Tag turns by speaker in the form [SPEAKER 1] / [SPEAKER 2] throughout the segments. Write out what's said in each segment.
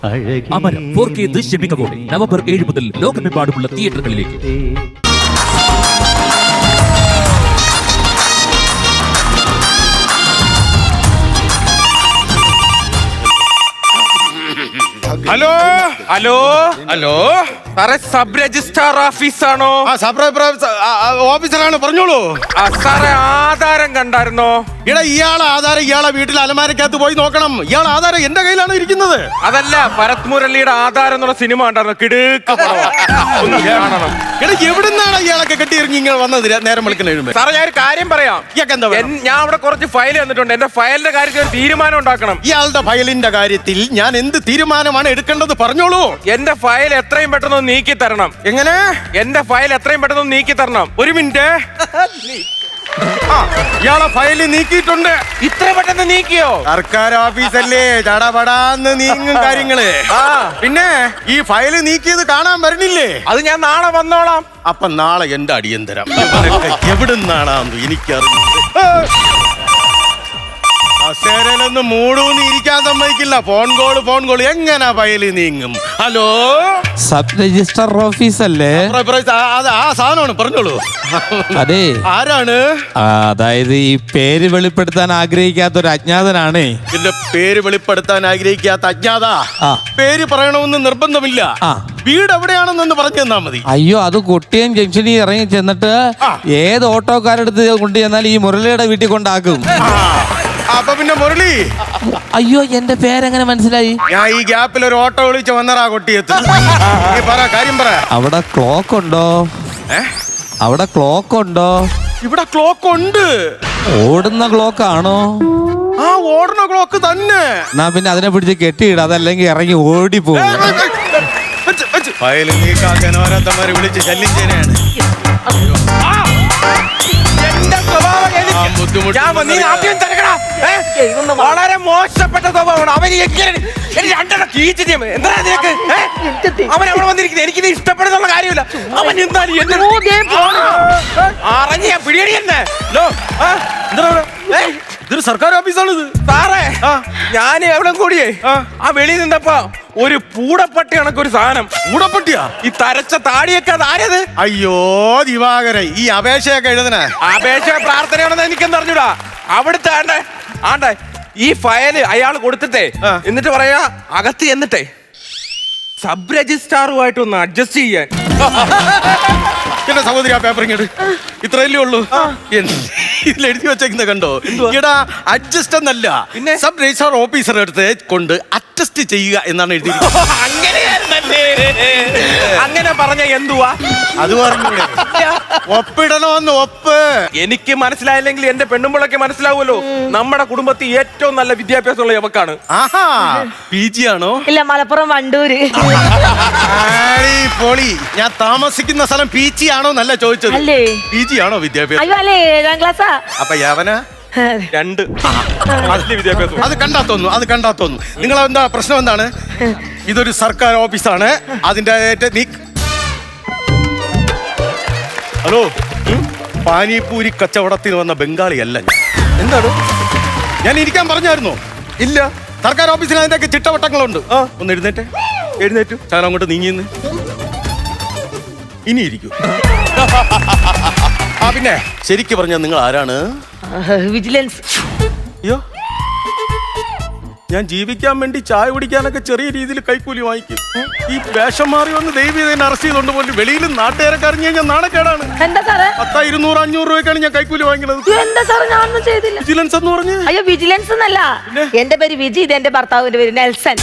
[SPEAKER 1] അമരം 4K ദൃശ്യമികവോടെ November 7 മുതൽ ലോകമെമ്പാടുമുള്ള തിയേറ്ററുകളിലേക്ക്.
[SPEAKER 2] ഹലോ ഹലോ ഹലോ സാറേ, സബ് രജിസ്ട്രാർ ഓഫീസാണോ?
[SPEAKER 3] ഓഫീസറാണ്, പറഞ്ഞോളൂ.
[SPEAKER 2] സാറേ, ആധാരം കണ്ടായിരുന്നോ?
[SPEAKER 3] ഇയാളെ ആധാരം ഇയാളെ വീട്ടിൽ അലമാരക്കകത്ത് പോയി നോക്കണം. ഇയാളെ ആധാരം എന്റെ കയ്യിലാണ് ഇരിക്കുന്നത്.
[SPEAKER 2] അതല്ല, ഭരത് മുരളിയുടെ ആധാരം എന്നുള്ള സിനിമ കണ്ടായിരുന്നു. കിടുക്ക് കാണണം.
[SPEAKER 3] എവിടുന്നാണ് ഇയാളൊക്കെ കെട്ടിയിറങ്ങി ഇങ്ങനെ വന്നത് നേരം വിളിക്കുന്ന?
[SPEAKER 2] സാറേ, ഞാൻ ഒരു കാര്യം പറയാം. ഞാൻ അവിടെ കുറച്ച് ഫയൽ തന്നിട്ടുണ്ട്. എന്റെ ഫയലിന്റെ കാര്യത്തിൽ ഒരു തീരുമാനം ഉണ്ടാക്കണം.
[SPEAKER 3] ഇയാളുടെ ഫയലിന്റെ കാര്യത്തിൽ ഞാൻ എന്ത് തീരുമാനമാണ് എടുക്കേണ്ടത് പറഞ്ഞോളൂ.
[SPEAKER 2] എന്റെ ഫയൽ എത്രയും പെട്ടെന്ന് നീക്കി തരണം.
[SPEAKER 3] എങ്ങനെ? എന്റെ
[SPEAKER 2] ഫയൽ എത്രയും പെട്ടെന്ന് നീക്കി തരണം.
[SPEAKER 3] ഒരു മിനിറ്റ്. ഇയാളെ ഫയല് നീക്കിയിട്ടുണ്ട്.
[SPEAKER 2] ഇത്ര പെട്ടെന്ന് നീക്കിയോ?
[SPEAKER 3] സർക്കാർ ഓഫീസല്ലേ, ചടപടാന്ന് നീങ്ങും കാര്യങ്ങള്. പിന്നെ ഈ ഫയല് നീക്കിയത് കാണാൻ വരണില്ലേ?
[SPEAKER 2] അത് ഞാൻ നാളെ വന്നോളാം.
[SPEAKER 3] അപ്പൊ നാളെ എന്റെ അടിയന്തരം. എവിടുന്നാണെന്ന് എനിക്കറിയില്ല. അസേരനൊന്ന് മൂടൂന്ന് ഇരിക്കാൻ സമ്മതിക്കില്ല. ഫോൺ കോള് എങ്ങനെ ഫയല് നീങ്ങും? ഹലോ,
[SPEAKER 4] സബ് രജിസ്ട്രാർ ഓഫീസ് അല്ലേ?
[SPEAKER 3] ആ സാധനമാണ്, പറഞ്ഞോളൂ.
[SPEAKER 4] അതെ,
[SPEAKER 3] ആരാണ്?
[SPEAKER 4] അതായത് ഈ പേര് വെളിപ്പെടുത്താൻ ആഗ്രഹിക്കാത്ത ഒരു അജ്ഞാതനാണ്.
[SPEAKER 3] എന്റെ പേര് വെളിപ്പെടുത്താൻ ആഗ്രഹിക്കാത്ത അജ്ഞാത. പേര് പറയണമെന്ന് നിർബന്ധമില്ല. വീട് എവിടെയാണെന്നൊന്ന് പറഞ്ഞു തന്നാ മതി.
[SPEAKER 4] അയ്യോ, അത് കൊട്ടിയം ജംഗ്ഷനിൽ ഇറങ്ങി ചെന്നിട്ട് ഏത് ഓട്ടോക്കാരെടുത്ത് കൊണ്ടു ചെന്നാൽ ഈ മുരളിയുടെ വീട്ടിൽ കൊണ്ടാക്കും.
[SPEAKER 3] അപ്പൊ പിന്നെ മുരളി.
[SPEAKER 4] അയ്യോ, എന്റെ പേരെങ്ങനെ മനസ്സിലായി?
[SPEAKER 3] ഞാൻ ഈ ഗ്യാപ്പിൽ ഒരു ഓട്ടോ വിളിച്ച് വന്നറാ കൊട്ടിയത്ത്. കാര്യം പറ.
[SPEAKER 4] അവിടെ ക്ലോക്ക് ഉണ്ടോ? അവിടെ ക്ലോക്ക് ഉണ്ടോ?
[SPEAKER 3] ഇവിടെ ക്ലോക്ക് ഉണ്ട്.
[SPEAKER 4] ഓടുന്ന ക്ലോക്ക് ആണോ?
[SPEAKER 3] ആ, ഓടുന്ന ക്ലോക്ക് തന്നെ.
[SPEAKER 4] എന്നാ പിന്നെ അതിനെ പിടിച്ച് കെട്ടിയിട, അതല്ലെങ്കിൽ ഇറങ്ങി ഓടിപ്പോകും.
[SPEAKER 3] ഫയല് ലീക്കാക്കാൻ ഓരോരുത്തന്മാര് വിളിച്ച് ശല്യം ചെയ്യാനാണ്.
[SPEAKER 2] വളരെ മോശപ്പെട്ട സ്വഭാവമാണ്. അവൻ അവൻ അവിടെ വന്നിരിക്കുന്നത് എനിക്കിത് ഇഷ്ടപ്പെടുന്നുള്ള കാര്യമില്ല. അവൻ എന്തായാലും അറിഞ്ഞ പിടിയടി തന്നെ.
[SPEAKER 3] ഇതൊരു സർക്കാർ ഓഫീസാണ് ഇത്.
[SPEAKER 2] സാറേ, ഞാൻ എവിടെ കൂടിയേ ആ വെളിയിൽ നിന്നപ്പോ ഒരു പൂടപ്പട്ടി കണക്കൊരു സാധനം.
[SPEAKER 3] പൂടപ്പട്ടിയാ?
[SPEAKER 2] ഈ തരച്ച താടിയൊക്കെ ആരത്?
[SPEAKER 3] അയ്യോ ദിവാകരൻ, ഈ അപേക്ഷയൊക്കെ എഴുതണ
[SPEAKER 2] അപേക്ഷ പ്രാർത്ഥനയാണെന്ന് എനിക്കെന്ന് അറിഞ്ഞൂടാ. അവിടുത്തെ ആണ്ടെ ഈ ഫയല് അയാൾ കൊടുത്തിട്ടേ എന്നിട്ട് പറയാ അകത്ത് എന്നിട്ടേ സബ് രജിസ്ട്രാറുമായിട്ട് ഒന്ന് അഡ്ജസ്റ്റ് ചെയ്യാൻ.
[SPEAKER 3] എന്റെ സഹോദരി, ആ പേപ്പർ ഇങ്ങോട്ട്. ഇത്രയല്ലേ ഉള്ളൂ. ഇതിൽ എഴുതി വെച്ചേക്കുന്ന കണ്ടോ? ഇവിടെ അഡ്ജസ്റ്റ് എന്നല്ല, പിന്നെ സബ് രജിസ്ട്രാർ ഓഫീസറുടെ അടുത്ത് കൊണ്ട് അറ്റസ്റ്റ് ചെയ്യുക എന്നാണ് എഴുതിയിരിക്കുന്നത്.
[SPEAKER 2] അങ്ങനെ പറഞ്ഞ എന്തുവാ?
[SPEAKER 3] അത് പറഞ്ഞൂടെ? ഒപ്പിടണമെന്ന്. ഒപ്പ്
[SPEAKER 2] എനിക്ക് മനസ്സിലായില്ലെങ്കിൽ എന്റെ പെണ്ണുമ്പിളൊക്കെ മനസ്സിലാവുമല്ലോ. നമ്മുടെ കുടുംബത്തിൽ ഏറ്റവും നല്ല വിദ്യാഭ്യാസമുള്ള യവക്കാണ്.
[SPEAKER 3] ആഹാ, PG ആണോ?
[SPEAKER 5] ഇല്ല, മലപ്പുറം വണ്ടൂര്.
[SPEAKER 3] പൊളി. ഞാൻ താമസിക്കുന്ന സ്ഥലം PG ആണോ എന്നല്ല ചോദിച്ചത്. PG ആണോ വിദ്യാഭ്യാസം?
[SPEAKER 5] അയ്യോ, അല്ലേ, 7ാം ക്ലാസ്സാ.
[SPEAKER 3] അപ്പൊ യവന
[SPEAKER 2] 2 വിദ്യാഭ്യാസം.
[SPEAKER 3] അത് കണ്ടാ തോന്നുന്നു. നിങ്ങൾ എന്താ പ്രശ്നം? എന്താണ്? ഇതൊരു സർക്കാർ ഓഫീസാണ്. അതിന്റെ ഹലോ, പാനിപൂരി കച്ചവടത്തിന് വന്ന ബംഗാളിയല്ല ഞാൻ.
[SPEAKER 2] എന്താണ്?
[SPEAKER 3] ഞാൻ ഇരിക്കാൻ പറഞ്ഞായിരുന്നോ?
[SPEAKER 2] ഇല്ല.
[SPEAKER 3] സർക്കാർ ഓഫീസിൽ അതിന്റെ ചിട്ടവട്ടങ്ങളുണ്ട്. ഒന്ന് എഴുന്നേറ്റു. ഞാൻ അങ്ങോട്ട് നീങ്ങിന്ന് ഇനി ഇരിക്കൂ. പിന്നെ ശരിക്കും പറഞ്ഞാൽ നിങ്ങൾ ആരാണ്?
[SPEAKER 5] വിജിലൻസ്.
[SPEAKER 3] അയ്യോ, ഞാൻ ജീവിക്കാൻ വേണ്ടി ചായ കുടിക്കാനൊക്കെ ചെറിയ രീതിയിൽ കൈക്കൂലി വാങ്ങിക്കും. ഈ വേഷം മാറി വന്ന് ദൈവം എന്നെ അറസ്റ്റ് ചെയ്തോണ്ട് പോലും വെളിയിൽ നാട്ടുകാരൊക്കെ അറിഞ്ഞു കഴിഞ്ഞാൽ നാണക്കേടാണ്.
[SPEAKER 5] എന്താ സാറേ?
[SPEAKER 3] 10, 200, 500 രൂപയ്ക്കാണ് ഞാൻ കൈക്കൂലി വാങ്ങിക്കുന്നത്.
[SPEAKER 5] എന്താ സാറേ, ഞാനൊന്നും ചെയ്തില്ല.
[SPEAKER 3] വിജിലൻസ് എന്ന് പറഞ്ഞു?
[SPEAKER 5] അയ്യോ, വിജിലൻസ് എന്നല്ല. എന്റെ പേര് വിജി, ഇത് എന്റെ ഭർത്താവിന്റെ പേര് നെൽസൺ.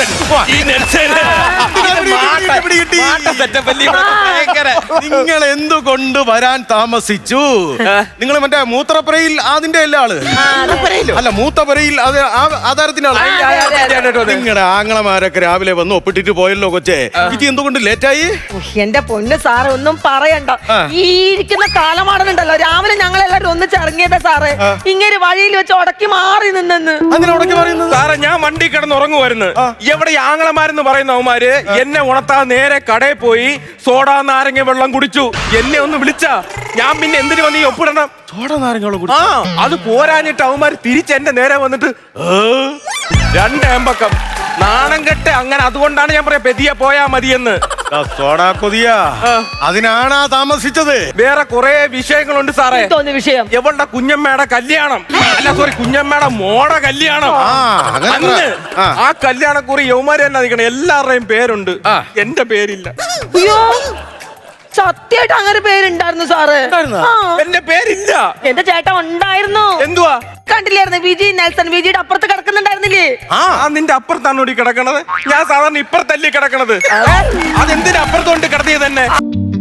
[SPEAKER 3] നിങ്ങൾ എന്തുകൊണ്ട് വരാൻ താമസിച്ചു? നിങ്ങൾ മറ്റേ മൂത്രപ്പുരയിൽ അതിന്റെ എല്ലാ ആള് അല്ല, മൂത്തപ്പുരയിൽ ആധാരത്തിന്റെ ആള്. നിങ്ങളുടെ ആങ്ങളമാരൊക്കെ രാവിലെ വന്ന് ഒപ്പിട്ടിട്ട് പോയല്ലോ കൊച്ചേ. ഇത് എന്തുകൊണ്ട് ലേറ്റായി?
[SPEAKER 5] എന്റെ പൊന്ന് സാറ്, ഒന്നും പറയണ്ട. ഈ ഇരിക്കുന്ന കാലമാടനുണ്ടല്ലോ, രാവിലെ ഞങ്ങൾ എല്ലാവരും ഒന്നിച്ചിറങ്ങിയതാ സാറേ. ഇങ്ങനെ വഴിയിൽ വെച്ച് ഉടക്കി മാറി നിന്നെന്ന്.
[SPEAKER 2] സാറേ, ഞാൻ വണ്ടി കിടന്ന് ഉറങ്ങുമായിരുന്നു. എവിടെ ആങ്ങളമാരെന്ന് പറയുന്ന അവന്മാര് എന്നെ ഉണത്താ നേരെ കടയിൽ പോയി സോഡാ നാരങ്ങ വെള്ളം കുടിച്ചു. എന്നെ ഒന്ന് വിളിച്ചാ ഞാൻ പിന്നെ എന്തിനു വന്ന് ഈ ഒപ്പിടണം?
[SPEAKER 3] സോഡ നാരങ്ങളും.
[SPEAKER 2] അത് പോരാഞ്ഞിട്ട് അവന്മാര് തിരിച്ച് എന്റെ നേരെ വന്നിട്ട് 2 ഏമ്പക്കം നാണം കെട്ട് അങ്ങനെ. അതുകൊണ്ടാണ് ഞാൻ പറയാ പെതിയെ പോയാ മതിയെന്ന്.
[SPEAKER 3] സോഡാ കൊതിയ അതിനാണ് താമസിച്ചത്.
[SPEAKER 2] വേറെ കുറെ വിഷയങ്ങളുണ്ട് സാറേ.
[SPEAKER 5] തോന്നിയ വിഷയം
[SPEAKER 2] എവളുടെ കുഞ്ഞമ്മയുടെ കല്യാണം, അല്ല സോറി കുഞ്ഞമ്മയുടെ മോടെ കല്യാണം.
[SPEAKER 3] അങ്ങനെ
[SPEAKER 2] അന്ന് ആ കല്യാണക്കുറി യൗമാര് തന്നെ നിൽക്കണം. എല്ലാവരുടെയും പേരുണ്ട്, എന്റെ പേരില്ല.
[SPEAKER 5] അയ്യോ സത്യമായിട്ട് അങ്ങനെ പേരുണ്ടായിരുന്നു സാറ്. ആ.
[SPEAKER 2] എന്റെ പേരില്ല.
[SPEAKER 5] എന്റെ ചേട്ടൻ ഉണ്ടായിരുന്നു.
[SPEAKER 2] എന്തുവാ
[SPEAKER 5] കണ്ടില്ലായിരുന്നു? വിജി നെൽസൺ. വിജിയുടെ അപ്പുറത്ത് കിടക്കുന്നുണ്ടായിരുന്നില്ലേ?
[SPEAKER 2] ആ നിന്റെ അപ്പുറത്താണോ കിടക്കണത്? ഞാൻ സാധാരണ ഇപ്പുറത്തല്ലേ കിടക്കണത്. അതെന്തിനാ അപ്പുറത്തോണ്ട് കിടത്തിയത് തന്നെ?